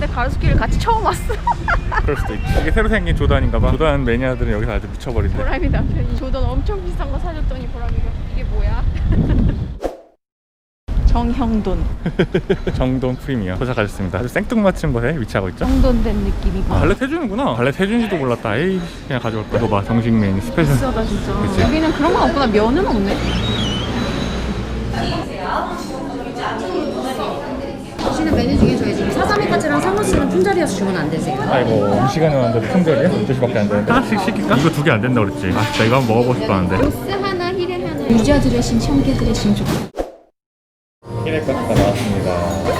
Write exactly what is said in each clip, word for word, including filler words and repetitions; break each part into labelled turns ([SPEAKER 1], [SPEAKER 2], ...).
[SPEAKER 1] 가로수길을 같이 처음 왔어.
[SPEAKER 2] 그럴 수도 있지. 이게 새로 생긴 조던인가봐. 조던 매니아들은 여기서 아주 미쳐버린대.
[SPEAKER 1] 보람이 남편이 조던 엄청 비싼 거 사줬더니 보람이가 이게 뭐야? 정형돈.
[SPEAKER 2] 정돈 프리미엄 도착하셨습니다. 아주 생뚱맞은 곳에 위치하고 있죠.
[SPEAKER 1] 정돈된 느낌이고.
[SPEAKER 2] 아, 발렛 해주는구나. 발렛 해주는지도 몰랐다. 에이, 그냥 가져올 거야. 이거 봐, 정식 메뉴 스페셜.
[SPEAKER 1] 비싸다 진짜.
[SPEAKER 2] 그치?
[SPEAKER 1] 여기는 그런 건 없구나. 면은 없네.
[SPEAKER 3] 드시는 메뉴 중에 저희 지금 사삼이까지랑 상어씨는 품절이어서 주문 안 되세요.
[SPEAKER 2] 아이고, 시간이 왔는데 품절이야? 열두 시밖에 안 되는데. 하나씩 시킬까? 이거 두 개 안 된다 그랬지. 아, 진짜 이거 한번 먹어보고 싶었는데.
[SPEAKER 1] 로스 하나, 히레 하나. 유자 드레싱, 청개 드레싱 좀.
[SPEAKER 2] 히레 파스타 나왔습니다.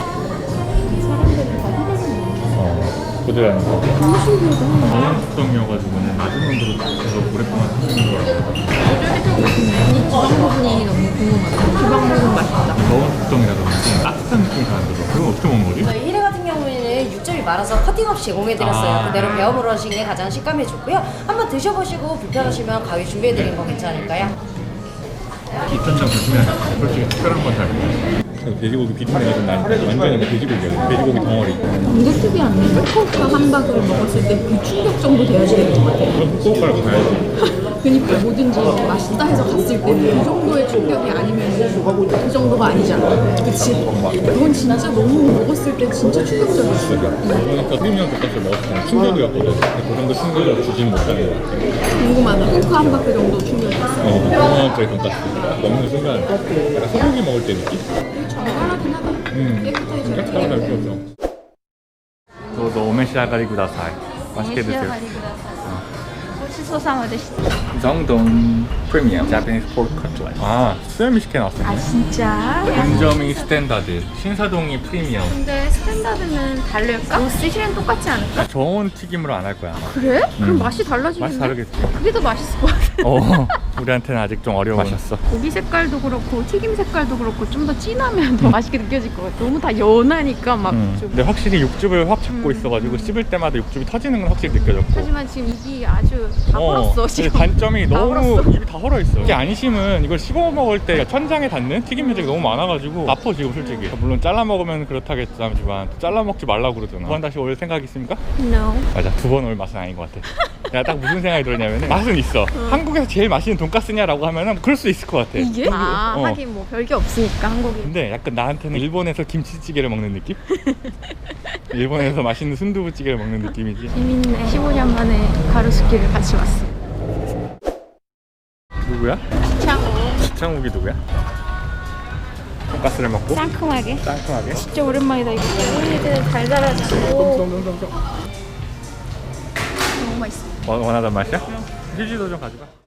[SPEAKER 2] 어, 부드러운 거.
[SPEAKER 1] 너무 신기하다.
[SPEAKER 2] 저온 숙성이어가지고는 낮은 온도로 계속 오랫동안 튀기는 거라고.
[SPEAKER 1] 지방 부분이 너무 궁금하다. 지방 부분 맛있다.
[SPEAKER 2] 저온 숙성이라서 그런지 따뜻한 느낌이 잘 안 들어. 그럼 어떻게 먹는 거지?
[SPEAKER 3] 저희 히레 같은 경우에는 육즙이 많아서 커팅 없이 제공해드렸어요.
[SPEAKER 2] 아.
[SPEAKER 3] 그대로 배워물어 하시는 게 가장 식감이 좋고요. 한번 드셔보시고 불편하시면 가위 준비해드린 거 괜찮을까요?
[SPEAKER 2] 입천장 조심해야 돼. 솔직히 특별한 건 잘 몰라. 돼지고기 비린내가 좀 나니까 완전히 돼지고기야. 돼지고기 덩어리.
[SPEAKER 1] 이거 특이한데? 후쿠오카 함박을 먹었을 때 그 충격 정도 돼야지 되는 것 같아.
[SPEAKER 2] 그럼 후쿠오카를 가야지.
[SPEAKER 1] 그니까 뭐든지 맛있다 해서 갔을 때 그 정도의 충격이 아니면 그 정도가 아니잖아. 그치? 그건 진짜 너무 먹었을 때 진짜 충격적이었어.
[SPEAKER 2] 그러니까 프리미엄 돈가스를 먹었을 때는 충격이었거든. 근데 그 정도 충격을 주지는 못하는 것 같아.
[SPEAKER 1] 궁금하다. 후쿠오카 함박 그 정도 충격이었어.
[SPEAKER 2] 어, 프리미엄짜리 돈가스 먹는 순간 약간 소고기 먹을 때 느낌?
[SPEAKER 1] 정갈하긴 하다.
[SPEAKER 2] 음,
[SPEAKER 1] 깨끗하게 잘
[SPEAKER 2] 깨끗하게 잘 키웠어. 저도 오메시아가리 구다사이. 맛있게 드세요.
[SPEAKER 1] 고치소상을 드시죠.
[SPEAKER 2] 정돈 프리미엄 자파니스 포크 커틀렛. 아, 수염이식혜 나왔어요.
[SPEAKER 1] 아 진짜?
[SPEAKER 2] 본점이 스탠다드, 신사동이 프리미엄.
[SPEAKER 1] 근데 스탠다드는 다를까? 로스 힐은 똑같지 않을까?
[SPEAKER 2] 저온 튀김으로 안 할 거야 아마.
[SPEAKER 1] 그래? 그럼
[SPEAKER 2] 음.
[SPEAKER 1] 맛이 달라지겠네?
[SPEAKER 2] 맛이 다르겠지.
[SPEAKER 1] 그게 더 맛있을 것 같아.
[SPEAKER 2] 어, 우리한테는 아직 좀 어려운 맛이었어.
[SPEAKER 1] 고기 색깔도 그렇고 튀김 색깔도 그렇고 좀 더 진하면 더 맛있게 느껴질 것 같아. 너무 다 연하니까 막
[SPEAKER 2] 음.
[SPEAKER 1] 좀.
[SPEAKER 2] 근데 확실히 육즙을 확 잡고
[SPEAKER 1] 음.
[SPEAKER 2] 있어가지고 씹을 때마다 육즙이 터지는 건 확실히 느껴졌고.
[SPEAKER 1] 하지만 지금 입이 아주 다 헐었어
[SPEAKER 2] 근데
[SPEAKER 1] 지금.
[SPEAKER 2] 단점이
[SPEAKER 1] 다
[SPEAKER 2] 너무
[SPEAKER 1] 헐었어.
[SPEAKER 2] 입이 다 헐어있어. 이게 안심은 이걸 씹어 먹을 때 천장에 닿는 튀김 면적이 너무 많아가지고 아파 지금 솔직히. 물론 잘라 먹으면 그렇다겠지만 잘라 먹지 말라고 그러잖아. 두 번 다시 올 생각 있습니까?
[SPEAKER 1] No.
[SPEAKER 2] 맞아, 두 번 올 맛은 아닌 것 같아. 내가 딱 무슨 생각이 들었냐면 맛은 있어. 한국에서 제일 맛있는 돈가스냐라고 하면은 그럴 수 있을 것 같아.
[SPEAKER 1] 이게? 아
[SPEAKER 2] 어.
[SPEAKER 1] 하긴 뭐 별게 없으니까 한국이.
[SPEAKER 2] 근데 약간 나한테는 일본에서 김치찌개를 먹는 느낌? 일본에서 맛있는 순두부찌개를 먹는 느낌이지.
[SPEAKER 1] 재밌네. 십오 년 만에 가로수길을 같이 왔어.
[SPEAKER 2] 누구야?
[SPEAKER 1] 창호.
[SPEAKER 2] 시창욱이 누구야? 돈가스를 먹고
[SPEAKER 1] 상큼하게.
[SPEAKER 2] 상큼하게.
[SPEAKER 1] 진짜 오랜만이다 이거. 우리들 달달하고
[SPEAKER 2] 똥똥똥똥.
[SPEAKER 1] 너무 맛있어.
[SPEAKER 2] 원- 원하던 맛이야? 휴지도 좀 가져가.